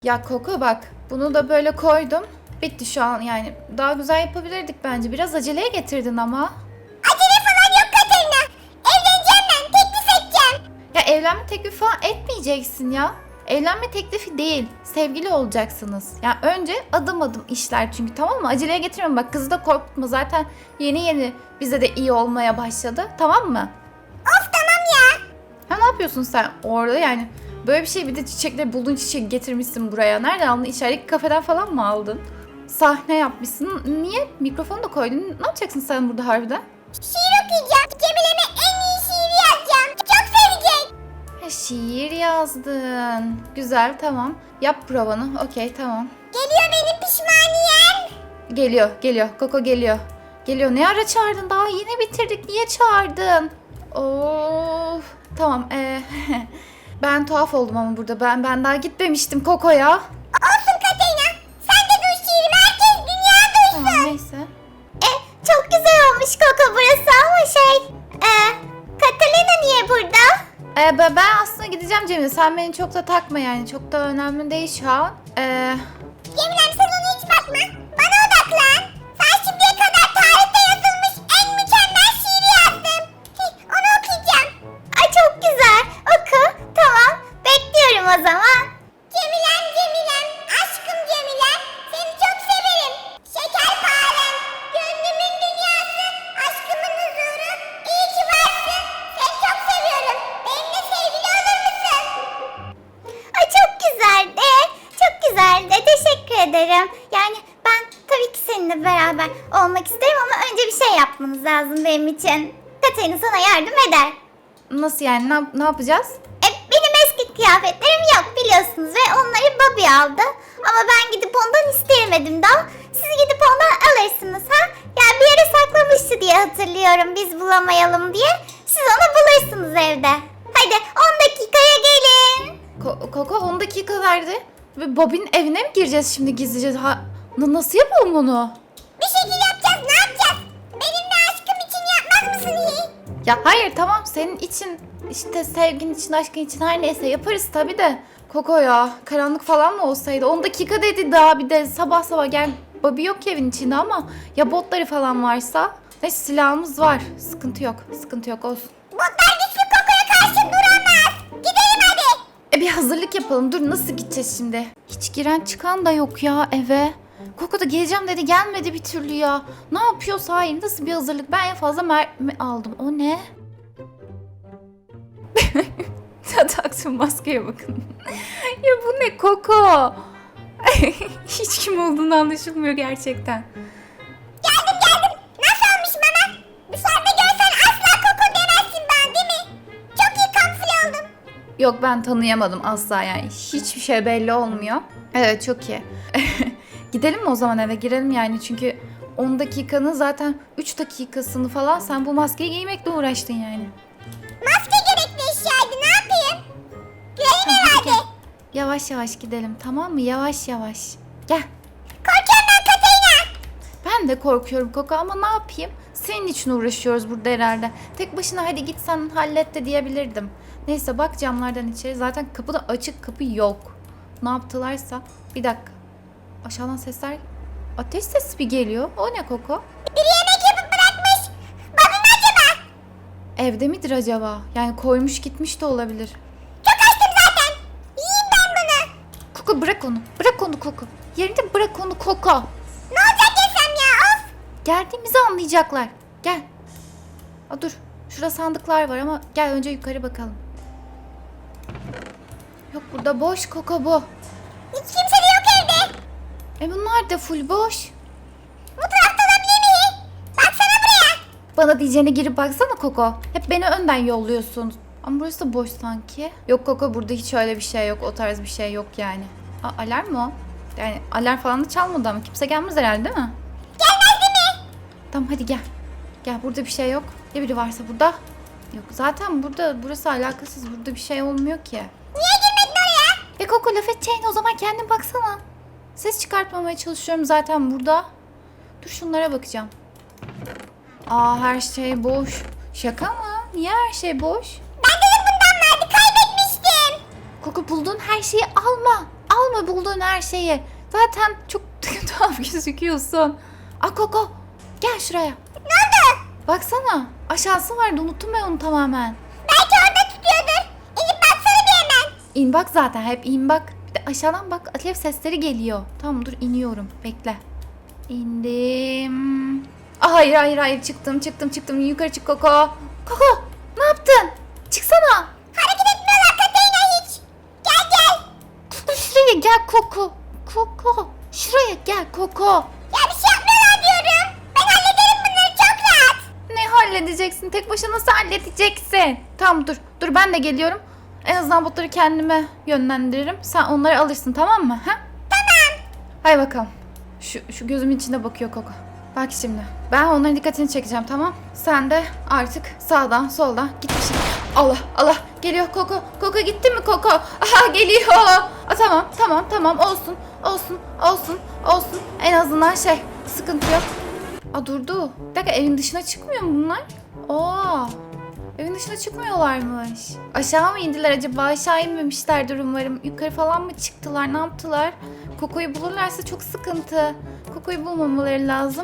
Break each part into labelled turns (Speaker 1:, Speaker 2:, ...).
Speaker 1: Ya Koko bak, bunu da böyle koydum. Bitti şu an yani. Daha güzel yapabilirdik bence. Biraz aceleye getirdin ama.
Speaker 2: Acele falan yok Katerina. Evleneceğim ben. Teklif edeceğim.
Speaker 1: Ya evlenme teklifi falan etmeyeceksin ya. Evlenme teklifi değil. Sevgili olacaksınız. Ya önce adım adım işler çünkü, tamam mı? Aceleye getirme bak, kızı da korkutma. Zaten yeni bize de iyi olmaya başladı. Tamam mı?
Speaker 2: Of tamam ya.
Speaker 1: Ha, ne yapıyorsun sen orada yani? Böyle bir şey, bir de çiçekleri bulduğun çiçeği getirmişsin buraya. Nereden aldın? İçerideki kafeden falan mı aldın? Sahne yapmışsın. Niye? Mikrofonu da koydun. Ne yapacaksın sen burada harbiden?
Speaker 2: Şiir okuyacağım. Cemile'me en iyi şiiri yazacağım. Çok sevecek.
Speaker 1: Ha, şiir yazdın. Güzel, tamam. Yap provanı. Okey, tamam.
Speaker 2: Geliyor benim pişmaniyem.
Speaker 1: Geliyor. Koko geliyor. Geliyor. Ne ara çağırdın? Daha yeni bitirdik. Niye çağırdın? Of. Tamam. Ben tuhaf oldum ama burada. Ben daha gitmemiştim Koko'ya.
Speaker 2: Olsun Katerina. Sen de duy şiirimi. Herkes dünya duysun.
Speaker 1: Tamam, neyse.
Speaker 2: Çok güzel olmuş Koko burası ama Katerina niye burada?
Speaker 1: Ben aslında gideceğim Cemile. Sen beni çok da takma yani. Çok da önemli değil şu an.
Speaker 2: Cemilem sen ona hiç bakma. Bana odaklan. Sen şimdiye kadar tarihte yazılmış en mükemmel şiiri yazdın. Onu okuyacağım. Ay çok güzel. Oku. Tamam. Bekliyorum o zaman. Cemilem, aşkım Cemilem. Seni çok severim. Şekerparem, gönlümün dünyası, aşkımın huzuru. İyi ki varsın. Seni çok seviyorum. Benimle sevgili olur musun? Ay çok güzeldi. Çok güzeldi. Teşekkür ederim. Yani ben tabii ki seninle beraber olmak isterim ama önce bir şey yapmanız lazım benim için. Katerina sana yardım eder.
Speaker 1: Nasıl yani? Ne yapacağız?
Speaker 2: Benim eski kıyafetlerim yok biliyorsunuz ve onları Bobby aldı. Ama ben gidip ondan isteyemedim daha. Siz gidip ondan alırsınız ha? Yani bir yere saklamıştı diye hatırlıyorum biz bulamayalım diye. Siz onu bulursunuz evde. Hadi 10 dakikaya gelin.
Speaker 1: Koko 10 dakika verdi. Ve Bobby'nin evine mi gireceğiz şimdi gizlice? Nasıl yapalım onu?
Speaker 2: Bir şekilde yapacağız, ne yapacağız? Benimle aşkım için yapmaz mısın iyi?
Speaker 1: Ya hayır, tamam, senin için, işte sevgin için, aşkın için her neyse yaparız tabii de. Koko ya, karanlık falan mı olsaydı? 10 dakika dedi daha, bir de sabah gel. Bobby yok ki evin içinde ama ya botları falan varsa? Neyse, silahımız var. Sıkıntı yok olsun.
Speaker 2: Botlar güçlü Koko'ya karşı duramaz. Gidelim hadi.
Speaker 1: Bir hazırlık yapalım. Dur, nasıl gideceğiz şimdi? Hiç giren çıkan da yok ya eve. Koko da geleceğim dedi, gelmedi bir türlü ya. Ne yapıyorsa hayır, nasıl bir hazırlık? Ben en fazla mermi aldım. O ne? Taktım maskeye bakın. Ya bu ne Koko? Hiç kim olduğunu anlaşılmıyor gerçekten.
Speaker 2: Geldim. Nasıl olmuş bana? Dışarıda görsen asla Koko demezsin bana değil mi? Çok iyi kamufle oldum.
Speaker 1: Yok, ben tanıyamadım asla yani. Hiçbir şey belli olmuyor. Evet, çok iyi. Gidelim mi o zaman eve, girelim yani çünkü 10 dakikanın zaten 3 dakikasını falan sen bu maskeyi giymekle uğraştın yani.
Speaker 2: Maske gerekli eşyaydı ne yapayım? Girelim herhalde.
Speaker 1: Yavaş gidelim, tamam mı? Yavaş. Gel.
Speaker 2: Korkuyorum ben Katerina.
Speaker 1: Ben de korkuyorum Koko ama ne yapayım? Senin için uğraşıyoruz burada herhalde. Tek başına hadi git sen hallet de diyebilirdim. Neyse, bak camlardan içeri. Zaten kapı da açık, kapı yok. Ne yaptılarsa. Bir dakika. Aşağıdan sesler. Ateş sesi bir geliyor. O ne Koko?
Speaker 2: Biri yemek yapıp bırakmış. Bobby mi acaba?
Speaker 1: Evde midir acaba? Yani koymuş gitmiş de olabilir.
Speaker 2: Çok açtım zaten. Yiyeyim ben bunu.
Speaker 1: Koko bırak onu. Bırak onu Koko. Yerinde bırak onu Koko.
Speaker 2: Ne olacak yesem ya of.
Speaker 1: Geldiğimizi anlayacaklar. Gel. Dur. Şurada sandıklar var ama gel önce yukarı bakalım. Yok, burada boş Koko bu.
Speaker 2: Hiç kimse de yok evde.
Speaker 1: Bunlar da full boş.
Speaker 2: Bu tarafta olabilir mi? Baksana buraya.
Speaker 1: Bana diyeceğine girip baksana Koko. Hep beni önden yolluyorsun. Ama burası da boş sanki. Yok Koko, burada hiç öyle bir şey yok. O tarz bir şey yok yani. Alarm mı o? Yani alarm falan da çalmadı ama kimse gelmez herhalde değil mi?
Speaker 2: Gelmez değil mi?
Speaker 1: Tamam hadi gel. Gel, burada bir şey yok. Ya biri varsa burada? Yok zaten burası alakasız. Burada bir şey olmuyor ki.
Speaker 2: Niye girmedin oraya?
Speaker 1: Koko, laf edeceğine o zaman kendin baksana. Ses çıkartmamaya çalışıyorum zaten burada. Dur, şunlara bakacağım. Her şey boş. Şaka mı? Niye her şey boş?
Speaker 2: Ben dedim bundan vardı kaybetmiştim.
Speaker 1: Koko, bulduğun her şeyi alma. alma bulduğun her şeyi. Zaten çok tuhaf gözüküyorsun. Koko gel şuraya.
Speaker 2: Ne oldu?
Speaker 1: Baksana aşağısı vardı, unuttum ben onu tamamen.
Speaker 2: Belki orada tutuyordur. İnip baksana bir hemen.
Speaker 1: İn bak, zaten hep in bak. Bir de aşağıdan bak, alev sesleri geliyor. Tamam dur, iniyorum, bekle. İndim. Hayır çıktım, yukarı çık Koko. Koko ne yaptın? Çıksana.
Speaker 2: Hareket etmiyorlar Katerina hiç. Gel.
Speaker 1: Şuraya gel Koko. Koko şuraya gel Koko.
Speaker 2: Ya bir şey yapmıyorlar diyorum. Ben hallederim bunları çok rahat.
Speaker 1: Ne halledeceksin? Tek başına nasıl halledeceksin? Tamam dur ben de geliyorum. En azından botları kendime yönlendiririm. Sen onları alırsın, tamam mı? Ha?
Speaker 2: Tamam.
Speaker 1: Hay bakalım. Şu gözümün içine bakıyor Koko. Bak şimdi. Ben onların dikkatini çekeceğim, tamam? Sen de artık sağdan soldan git bir şey. Allah geliyor Koko. Koko gitti mi Koko? Aha geliyor. Tamam olsun. En azından sıkıntı yok. Durdu. Bir dakika, evin dışına çıkmıyor mu bunlar? Evin dışına çıkmıyorlarmış. Aşağı mı indiler acaba? Aşağı inmemişlerdir umarım. Yukarı falan mı çıktılar? Ne yaptılar? Koko'yu bulurlarsa çok sıkıntı. Koko'yu bulmamaları lazım.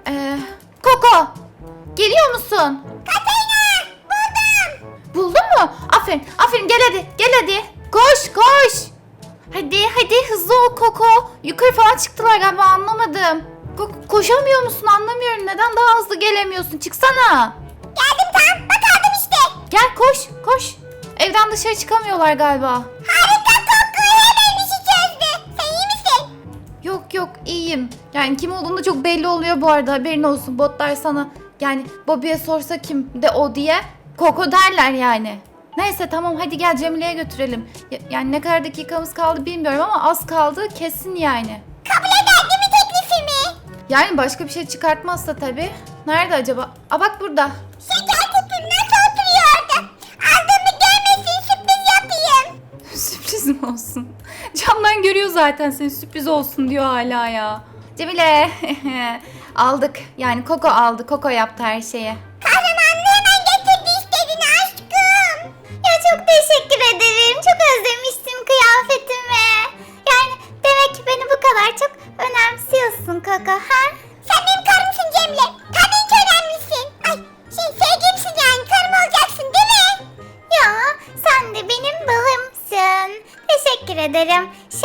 Speaker 1: Koko! Geliyor musun?
Speaker 2: Katerina buldum.
Speaker 1: Buldun mu? Aferin gel hadi. Koş. Hadi hızlı ol Koko. Yukarı falan çıktılar galiba, anlamadım. Koşamıyor musun? Anlamıyorum. Neden daha hızlı gelemiyorsun? Çıksana.
Speaker 2: Geldim tam. Bak aldım işte.
Speaker 1: Gel koş. Evden dışarı çıkamıyorlar galiba.
Speaker 2: Harika koku. Hemen işi çözdü. Sen iyi misin?
Speaker 1: Yok iyiyim. Yani kim olduğunu çok belli oluyor bu arada, haberin olsun. Botlar sana yani Bobby'ye sorsa kim de o diye Koko derler yani. Neyse tamam, hadi gel Cemile'ye götürelim. Yani ne kadar dakikamız kaldı bilmiyorum ama az kaldı kesin yani.
Speaker 2: Kabul eder değil mi teklifimi?
Speaker 1: Yani başka bir şey çıkartmazsa tabii. Nerede acaba? Bak burada.
Speaker 2: Şeker kutum nasıl oturuyor orada? Aldığımı görmesin, sürpriz yapayım.
Speaker 1: Sürpriz mi olsun? Camdan görüyor zaten seni, sürpriz olsun diyor hala ya. Cemile aldık. Yani Koko aldı. Koko yaptı her şeyi.
Speaker 2: Kahramanlığı hemen getirdi istediğini aşkım. Ya çok teşekkür ederim. Çok özlemiştim kıyafetimi. Yani demek ki beni bu kadar çok önemsiyorsun Koko, ha? Sen benim karımsın Cemile. Tabii ki önemlisin. Sevgilimsin yani, karım olacaksın değil mi? Ya sen de benim balımsın. Teşekkür ederim.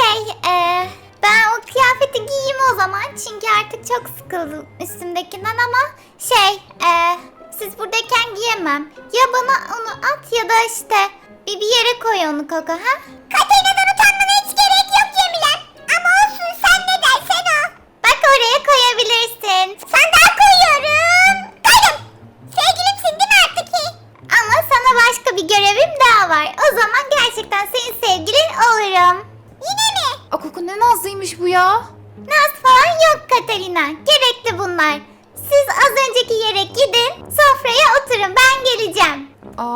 Speaker 2: Ben o kıyafeti giyeyim o zaman. Çünkü artık çok sıkıldım üstümdekinden ama siz buradayken giyemem. Ya bana onu at ya da işte bir yere koy onu Koko, ha? Katerina'dan utanmana hiç gerek yok Cemilem. Ama olsun, sen ne dersen o. Bak oraya koyabilirsin. Sandığa koyuyorum. Koydum. Sevgilimsin değil mi artık ki? Ama sana başka bir görevim daha var. O zaman gerçekten senin sevgilin olurum. Yine mi?
Speaker 1: Koko ne nazlıymış bu ya.
Speaker 2: Naz falan yok Katerina. Gerekli bunlar. Siz az önceki yere gidin. Sofraya oturun. Ben geleceğim.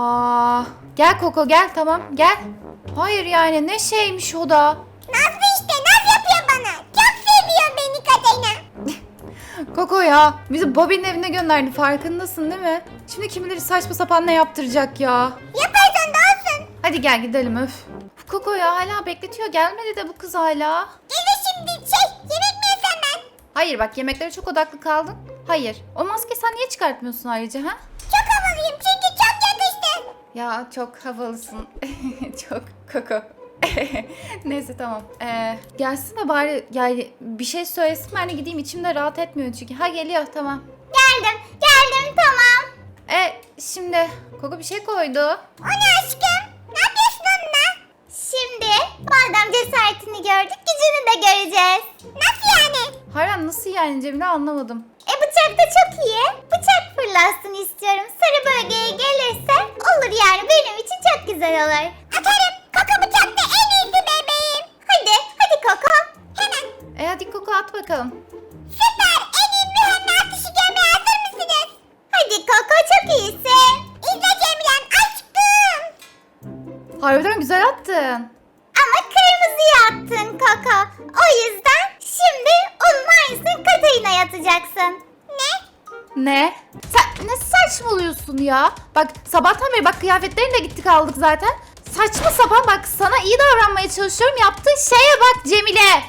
Speaker 1: Gel Koko gel, tamam gel. Hayır yani ne şeymiş o da.
Speaker 2: Nazlı işte. Naz yapıyor bana. Çok seviyor beni Katerina.
Speaker 1: Koko ya bizi Bobby'nin evine gönderdi, farkındasın değil mi? Şimdi kim bilir saçma sapan ne yaptıracak ya.
Speaker 2: Yaparsan da olsun.
Speaker 1: Hadi gel gidelim öf. Koko ya hala bekletiyor, gelmedi de bu kız hala.
Speaker 2: Gelir şimdi. Yemek mi yesem ben?
Speaker 1: Hayır bak, yemeklere çok odaklı kaldın. Hayır, o maskeyi sen niye çıkartmıyorsun ayrıca ha?
Speaker 2: Çok havalıyım çünkü çok yakıştı.
Speaker 1: Ya çok havalısın. Çok Koko. Neyse tamam. Gelsin de bari yani bir şey söylesin, ben de gideyim, içimde rahat etmiyor çünkü. Ha geliyor, tamam.
Speaker 2: Geldim tamam.
Speaker 1: Şimdi Koko bir şey koydu.
Speaker 2: O ne aşkım? Ne yapıyorsun onunla? Şimdi madem cesaretini gördük, gücünü de göreceğiz. Nasıl yani?
Speaker 1: Hayır nasıl yani Cemile, anlamadım.
Speaker 2: Bıçak da çok iyi. Bıçak fırlatsın istiyorum. Sarı bölgeye gelirse olur yani, benim için çok güzel olur. Atarım. Koko bıçakta en iyisi bebeğim. Hadi Koko. Hemen.
Speaker 1: Hadi Koko at bakalım.
Speaker 2: Süper. En iyi mühemme atışı görmeye hazır mısınız? Hadi Koko, çok iyisin. İzle Cemilen aşkım.
Speaker 1: Harbiden güzel attın.
Speaker 2: Ama kırmızıya attın Koko. O yüzden şimdi onun aynısını Katarina'ya atacaksın. Ne?
Speaker 1: Ne? Sen ne saçmalıyorsun ya? Bak sabahtan beri bak, kıyafetlerini de gittik aldık zaten. saçma sapan bak, sana iyi davranmaya çalışıyorum. Yaptığın şeye bak Cemile.